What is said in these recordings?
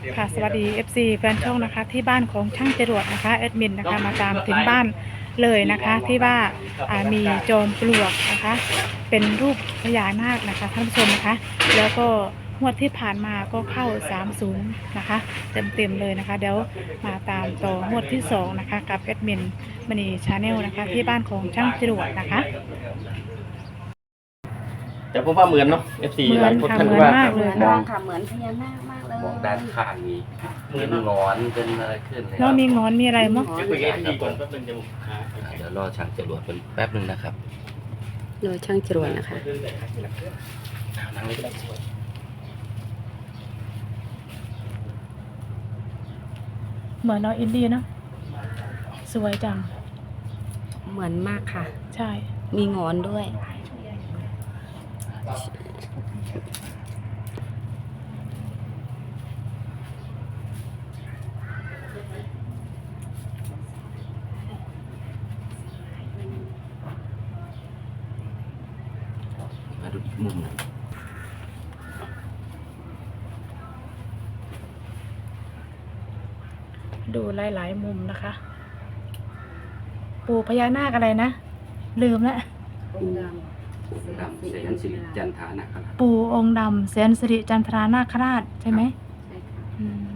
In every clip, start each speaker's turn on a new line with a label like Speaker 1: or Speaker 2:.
Speaker 1: ค่ะสวัสดี FC แฟนช่องนะคะที่บ้านของช่างจรวดนะคะแอดมินนะคะมาตามถึงบ้านเลยนะคะที่ว่ามีจอมปลวกนะคะเป็นรูปพญานาคนะคะท่านผู้ชมนะคะแล้วก็งวดที่ผ่านมาก็เข้า30นะคะเต็มเลยนะคะเดี๋ยวมาตามต่องวดที่2นะคะกับแอดมินมณีชาแนลนะคะที่บ้านของช่างจรวดนะคะ
Speaker 2: แต่ผมว่าเหมือนเนาะ FC
Speaker 1: เหมือน
Speaker 2: หลายคน
Speaker 1: ค่ะ
Speaker 2: ท่าน
Speaker 1: เหมือน
Speaker 2: ว่า
Speaker 1: มากเลย
Speaker 3: มองค่ะเหมือนพญานาคมากเลย
Speaker 4: มองด้านข้างนี้เป็นหงอนเป็นอะไรขึ้นเลย
Speaker 1: แล้วมีงอนมีอะไรมั้ง
Speaker 2: เดี๋ยวคุยกับ FC ก่อนแป๊บนึงเดี๋ยวหา
Speaker 4: เดี๋ยวรอช่างจรวดเป็นแป๊บนึงนะครับ
Speaker 3: โดยช่างจรวดนะคะ
Speaker 2: นั่งเลยก็ได้
Speaker 1: เหมือนเราอินดี้เนาะสวยจัง
Speaker 3: เหมือนมากค่ะ
Speaker 1: ใช่
Speaker 3: มีงอนด้วย
Speaker 4: มาดูอีกมุมหนึ่ง
Speaker 1: ดูหลายๆมุมนะคะ ปู่พญานาคอะไรนะ ลืมแล้ว
Speaker 4: ดำเสนสิริจันทานะครับ
Speaker 1: ปู่องค์ดำแสนสิริจันทรานาคราชใช่ไหม
Speaker 3: ใช่ค่ะ
Speaker 1: อืม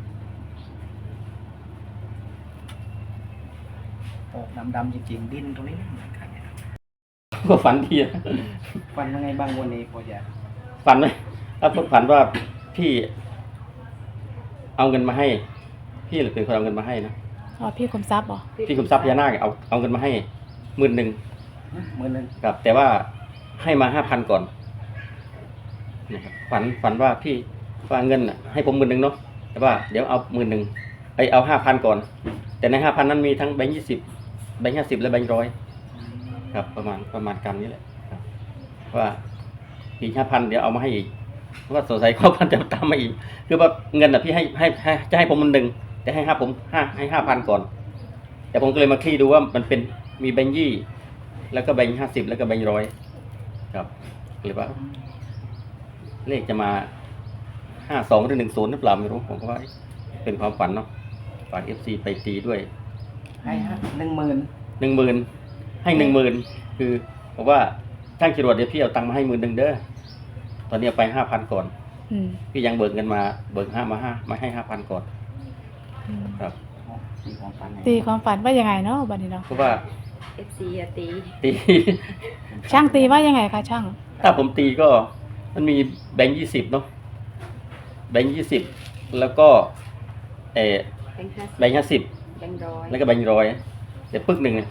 Speaker 5: ออกดำๆจริงๆดินตรงนี้ไม่เหมือนกันเนี่ย
Speaker 2: ก็ฝันทีนะ
Speaker 5: ฟันยังไงบ้างวันนี้พอจะ
Speaker 2: ฝันไหมถ้าฝันว่าพี่เอาเงินมาให้ พี่เป็นคนเอาเงินมาให้นะ
Speaker 1: อ๋อพี่คมทรัพย์เหรอ
Speaker 2: พี่คุมทรัพย์พญานาคเอาเงินมาให้10,000
Speaker 5: มือนึง
Speaker 2: ครับแต่ว่าให้มา5,000ก่อนนะครับฝันว่าพี่ว่าเงินน่ะให้ผม10,000เนาะแต่ว่าเดี๋ยวเอา10,000เอา5,000ก่อน แต่ใน5,000นั้นมีทั้งแบงค์20แบงค์50และแบงค์100ครับประมาณกำนี้แหละครับว่าอีก5,000เดี๋ยวเอามาให้อีกเพราะว่าสงสัยเขาพันจะตามมาอีกคือว่าเงินน่ะพี่ให้จะให้ผม10,000แต่ให้5,000ก่อน แต่ผมก็เลยมาคลี่ดูว่ามันเป็นมีแบงค์20แล้วก็แบงค์50แล้วก็แบงค์100ครับหรือว่า เลขจะมา52หรือ10หรือเปล่าไม่รู้ผมก็ว่าเป็นความฝันเนาะฝาก FC ไปตีด้วย
Speaker 5: ให้10,000
Speaker 2: 10,000ให้10,000คือบอกว่าช่างจรวดเดี๋ยวพี่เอาตังค์มาให้10,000เด้อตอนนี้เอาไป5,000ก่อน
Speaker 1: อืม
Speaker 2: พี่ยังเบิกเงินมามาให้5,000ก่อน
Speaker 1: อืม
Speaker 2: ครับ
Speaker 5: ตีของฟัน
Speaker 1: ตีความฝันว่ายังไงเนาะบัดนี้เนาะ
Speaker 2: เพราะว่า
Speaker 3: FC อะตี
Speaker 2: ตี
Speaker 1: ช่างตีว่ายังไงคะช่าง
Speaker 2: ถ้าผมตีก็มันมีแบงค์20เนาะแบงค์20แล้วก็
Speaker 3: แบงค์50
Speaker 2: แบงค์50
Speaker 3: แบงค์ร้อย
Speaker 2: แล้วก็แบงค์100แต่ปึกหนึ่งเนี่ย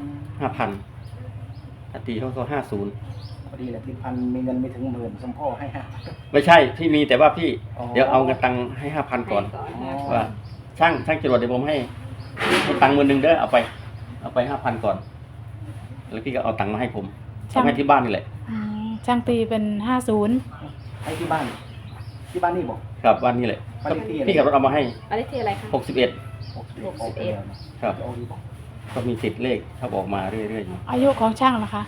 Speaker 2: 5,000ถ้าตีเขาก็50
Speaker 5: พอดีแหละที่พันมีเงินไม่ถึง10,000สมพ่อให้
Speaker 2: ไม่ใช่พี่มีแต่ว่าพี่
Speaker 5: อ๋อ
Speaker 2: เดี๋ยวเอาเงินตังค์ให้ 5,000ก่อน
Speaker 3: ให้ก่อน
Speaker 2: ว่าช่างจรวดเดี๋ยวผมให้ตังค์10,000เด้อเอาไป 5,000ก่อนแล้วพี่ก็เอาตังค์มาให้ผมเอาให้ที่บ้านนี่แหละ
Speaker 1: อืมช่างตีเป็น50
Speaker 5: ให้ที่บ้านนี่บอก
Speaker 2: ครับบ้านนี่แหละ
Speaker 5: บ้านเลขที่อะไร
Speaker 2: พี่ขับรถเอามาให้
Speaker 3: อะไรที่อะไรคะ
Speaker 2: 61
Speaker 5: 61ออกไปแล้วนะครับ เอาดีบอก
Speaker 2: ก็มีติดเลขถ้าบอกมาเรื่อยๆอยู่
Speaker 1: อายุของช่างนะคะ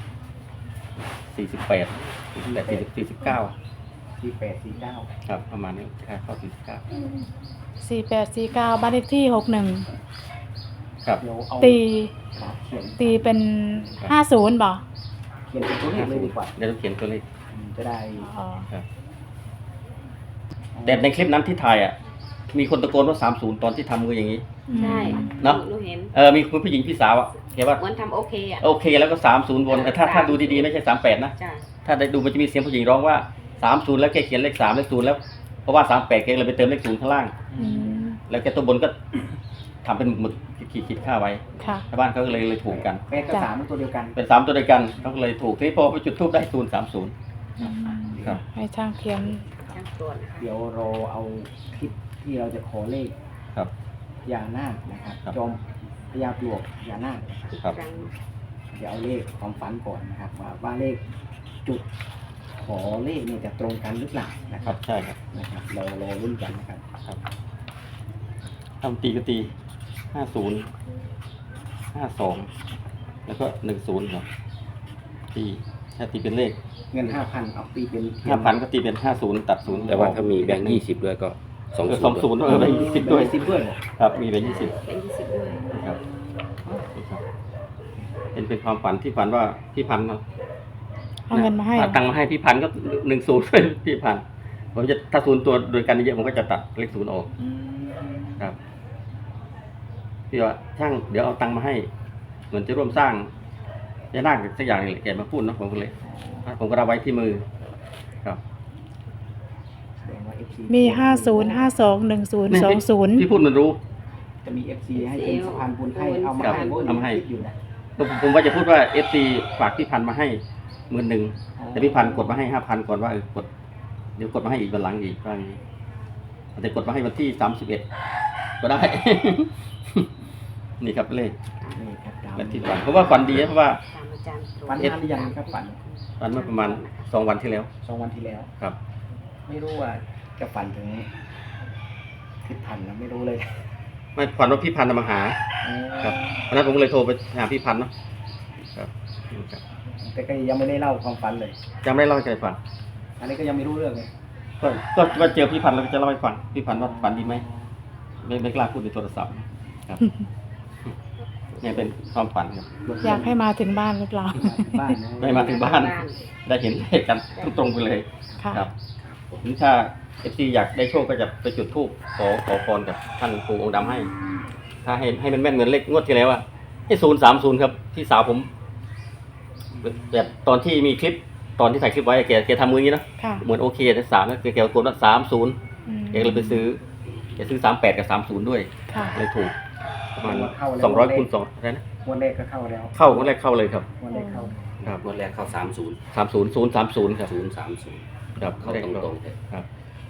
Speaker 2: 48 49
Speaker 5: 4849
Speaker 2: ครับประมาณนี้ค่าเข้า49
Speaker 1: 4849บ้านเลขที่61
Speaker 2: ครับ
Speaker 5: เดี๋ยวเอา
Speaker 1: ตี
Speaker 5: เขียน
Speaker 1: ตีเป็น50บ่
Speaker 5: เขียนเป็นตัวเลขเลยดีกว่า
Speaker 2: เดี๋ยวต้องเขียนตัวเลข
Speaker 5: จะได้
Speaker 1: อ๋อ
Speaker 2: ครับแต่ในคลิปนั้นที่ถ่ายอ่ะมีคนตะโกนว่า30ตอนที่ทำมืออย่างนี้
Speaker 3: ใช่
Speaker 2: เนอะ
Speaker 3: หนูเห็น
Speaker 2: มีคุณผู้หญิงพี่สาวอ่ะแกว่า
Speaker 3: เหมือนทำโอเคอะ
Speaker 2: โอเคแล้วก็30วนแต่ถ้าดูดีๆไม่ใช่38นะ
Speaker 3: จ้ะ
Speaker 2: ถ้าได้ดูมันจะมีเสียงผู้หญิงร้องว่า30แล้วแกเขียนเลข3เลข0แล้วเพราะว่า38แกเลยไปเติมเลข0ข้างล่าง
Speaker 1: อืม
Speaker 2: แล้วแกตัวบนก็ทำเป็นหมึกขีดค่าไว้
Speaker 1: ค่ะ
Speaker 2: ชาวบ้านเขาก็เลยถูกกัน
Speaker 5: 8กับ3เป็นตัวเดียวกัน
Speaker 2: เป็น3ตัวเดียวกันเขาก็เลยถูกที่พอไปจุดทูบได้030
Speaker 1: อืม
Speaker 2: ครับ
Speaker 1: ให้ช่างเขียน
Speaker 3: ช่างตรวจนะคะ
Speaker 5: เดี๋ยวเราเอาคลิปที่เราจะขอเลข
Speaker 2: ครับ
Speaker 5: พญานาคนะครับ
Speaker 2: ครับ
Speaker 5: จอมพญาปลวกพญานาค
Speaker 3: อีก
Speaker 2: ครับ
Speaker 3: ครั้ง
Speaker 5: เดี๋ยวเอาเลขความฝันก่อนนะครับว่าเลขจุดขอเลขเนี่ยจะตรงกันหรือเปล่านะค
Speaker 2: ค
Speaker 5: รั
Speaker 2: รั
Speaker 5: บบ
Speaker 2: ใช่ครับ
Speaker 5: นะครับเรารอรุ่นกันนะครับ
Speaker 2: ทำตีก็ตี50 52แล้วก็10ครับตีถ้าตีเป็นเลข
Speaker 5: เงิน 5,000เอาตีเป็น
Speaker 2: 5,000ก็ตีเป็น50ตัด0
Speaker 4: แต่ว่าถ้ามีแบงค์20ด้วยก็
Speaker 2: 20แบงค์20ด้วย
Speaker 5: 10ด้วยเหรอ
Speaker 2: ครับมีแบงค์20
Speaker 3: เป็น20ด้วย
Speaker 2: ครับเป็นความฝันที่ฝันว่าพี่พันธ์
Speaker 1: เอาเงินมาให้
Speaker 2: ตังค์มาให้พี่พันธ์ก็10เป็นพี่พันธ์ผมจะถ้า0ตัวโดยกันเยอะผมก็จะตัดเลข0ออกครับพี่ว่าช่างเดี๋ยวเอาตังค์มาให้เหมือนจะร่วมสร้างจะน่าสักอย่างนี่แหละแกมาพูดเนาะผมก็เลยผมก็รับไว้ที่มือครับ
Speaker 5: แสดงว่า FC
Speaker 1: มี50521020
Speaker 2: พี่พูดมันรู้
Speaker 5: จะมี FC ให้เป็นสะพานบุญให้เอามา
Speaker 2: ครับ
Speaker 5: ให้
Speaker 2: เอามาให้
Speaker 5: คิดอยู่นะ
Speaker 2: ผมว่าจะพูดว่า FC ฝากพี่พันธ์มาให้10,000แต่พี่พันธ์กดมาให้5,000ก่อนว่ากดเดี๋ยวกดมาให้อีกวันหลังอีกว่าอย่างนี้แต่กดมาให้วันที่31ก็ได้ นี่ครับเลข
Speaker 5: นี่ครับดาว
Speaker 2: และที่ฝันเพราะว่าฝันดีนะเพราะว่า
Speaker 3: ตามอาจารย์
Speaker 5: ฝันนานหรือยังครับฝัน
Speaker 2: ฝันเมื่อประมาณ2 วันที่แล้ว
Speaker 5: 2 วันที่แล้ว
Speaker 2: ครับ
Speaker 5: ไม่รู้ว่าจะฝันถึงทิศพันธ์นะไม่รู้เลย
Speaker 2: ไม่ฝันว่าพี่พันธ์มาหาครับวันนั้นผมก็เลยโทรไปหาพี่พันธ์เนาะครับครับ
Speaker 5: แต่ก็ยังไม่ได้เล่าความฝันเลย
Speaker 2: ยังไม่ได้เล่าให้ใครฟัง
Speaker 5: อันนี้ก็ยังไม่รู้เรื่องเลย
Speaker 2: ก็เจอพี่พันธ์แล้วก็จะเล่าให้ฟังพี่พันธ์ว่าฝันดีไหมไม่กล้าพูดในโทรศัพท์ครับ เนี่ยเป็นความฝันครับ
Speaker 1: อยากให้มาถึงบ้านหรือเปล่า
Speaker 5: บ้านนะ
Speaker 2: ไม่มาถึงบ้าน ได้เห็นเลขกันตรงๆไปเลย
Speaker 1: ค่ะ
Speaker 2: ครับหรือถ้า FC อยากได้โชคก็จะไปจุดธูปขอพรกับท่านปู่องค์ดำให้ ถ้าให้มันแม่นเหมือนเลขงวดที่แล้วอะให้030ครับพี่สาวผมแบบตอนที่มีคลิปตอนที่ถ่ายคลิปไว้แกทำมืออย่างนี้นะ
Speaker 1: ค่ะ
Speaker 2: เหมือนโอเคแต่3นะแกกดว่า30แกเลยไปซื้อแกซื้อ38กับ30ด้วย
Speaker 1: ค่ะ
Speaker 2: เลยถูกประมาณ200คูณ2อะไรนะ
Speaker 5: งวดแรกก็เข้าแล้ว
Speaker 2: เข้างวดแรกเข้าเลยครับ
Speaker 5: งวดแรกเข้า
Speaker 2: ครับ
Speaker 4: งวดแรกเข้า30
Speaker 2: 30030ครับ
Speaker 4: 030
Speaker 2: ครับ
Speaker 4: เข้าตรงๆเลย
Speaker 2: ครับ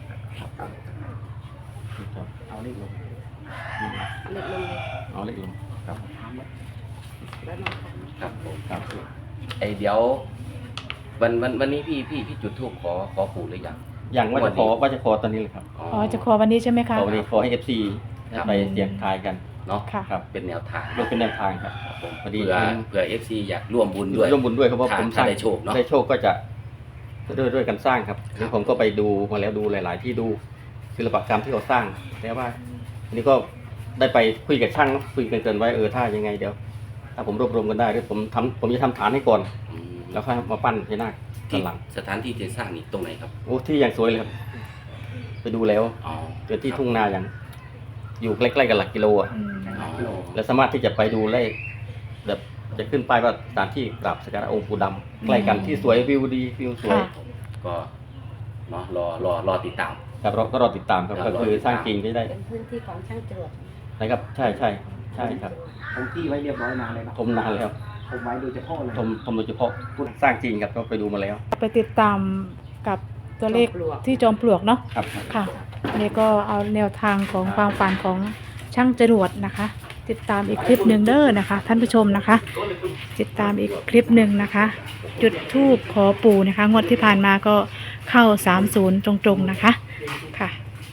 Speaker 5: เอาเลขลง
Speaker 3: เล็กลงเลย
Speaker 2: เอาเลขลงครับ
Speaker 3: แล้วนอนค่ะ
Speaker 4: ครับผม
Speaker 2: ครับ
Speaker 4: เดี๋ยววันนี้พี่จุดธูปขอปู่หรือยัง
Speaker 2: อย่างว่าจะขอตอนนี้เลยครับ
Speaker 1: อ๋อจะขอวันนี้ใช่ไหมคะ
Speaker 2: ขอวันนี้ขอให้ FC ไปเสี่ยงทายกัน
Speaker 4: เนาะ
Speaker 1: ค่ะ
Speaker 2: ครับ
Speaker 4: เป็นแนวทาง
Speaker 2: ยกเป็นแนวทางครับ
Speaker 4: ผม
Speaker 2: พอดี
Speaker 4: เผื่อ FC อยากร่วมบุญด้วย
Speaker 2: ร่วมบุญด้วยครับเพราะผมสร้าง
Speaker 4: ถ้าได้โชคเนอะ
Speaker 2: ได้โชคก็จะด้วยกันสร้างครับแล้วผมก็ไปดูมาแล้วดูหลาย ๆ ที่ดูศิลปกรรมที่เขาสร้างแล้วว่าอันนี้ก็ได้ไปคุยกับช่างเนาะคุยกันเกินไว้ถ้ายังไงเดี๋ยว ถ้าผมรวบรวมกันได้เดี๋ยวผมจะทำฐานให้ก่อน
Speaker 4: อืม
Speaker 2: แล้วค่อยมาปั้นพญานาค
Speaker 4: ที่
Speaker 2: ด้านหลัง
Speaker 4: สถานที่จะสร้างนี่ตรงไหนครับ
Speaker 2: โอ้ที่อย่างสวยเลยครับไปดูแล้ว
Speaker 4: อ๋อ
Speaker 2: เป็นที่ทุ่งนาอย่างอยู่ใกล้ๆกับหลักกิโลอ่ะ
Speaker 1: อืม
Speaker 4: อ๋อ
Speaker 2: และสามารถที่จะไปดูได้แบบจะขึ้นป้ายว่าสถานที่กราบสักการะองค์ปู่ดำใกล้กันที่สวยวิวดีวิวสวย
Speaker 1: ค่ะ
Speaker 4: ก็เนาะรอติดตาม
Speaker 2: ครับเราก็รอติดตามครับ
Speaker 4: ครับ
Speaker 2: ก็คือสร้างจริงที่ได้
Speaker 3: เป็นพื้นที่ของช่างจรวด
Speaker 2: นะครับใช่ครับ
Speaker 5: ผมที่ไว้เรียบร้อยนานเลยนะ
Speaker 2: ทมนานแล้ว
Speaker 5: ผมไว้โดยเฉพาะเลย
Speaker 2: ทมโดยเฉพาะสร้างจริงครับก็ไปดูมาแล้ว
Speaker 1: ไปติดตามกับตัวเลขที่จอมปลวกเนาะ
Speaker 2: ครับ
Speaker 1: ค่ะนี่ก็เอาแนวทางของความฝันของช่างจรวดนะคะ ติดตามอีกคลิปหนึ่งเด้อนะคะ ท่านผู้ชมนะคะ ติดตามอีกคลิปหนึ่งนะคะ จุดธูปขอปู่นะคะงวดที่ผ่านมาก็เข้า30ตรงๆนะคะค่ะ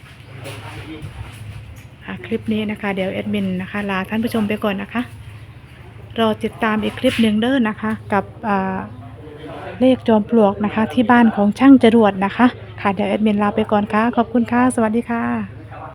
Speaker 1: คลิปนี้นะคะ เดี๋ยวแอดมินนะคะลาท่านผู้ชมไปก่อนนะคะ รอติดตามอีกคลิปหนึ่งเด้อนะคะ กับเลขจอมปลวกนะคะ ที่บ้านของช่างจรวดนะคะค่ะเดี๋ยวแอดมินลาไปก่อนค่ะขอบคุณค่ะสวัสดีค่ะ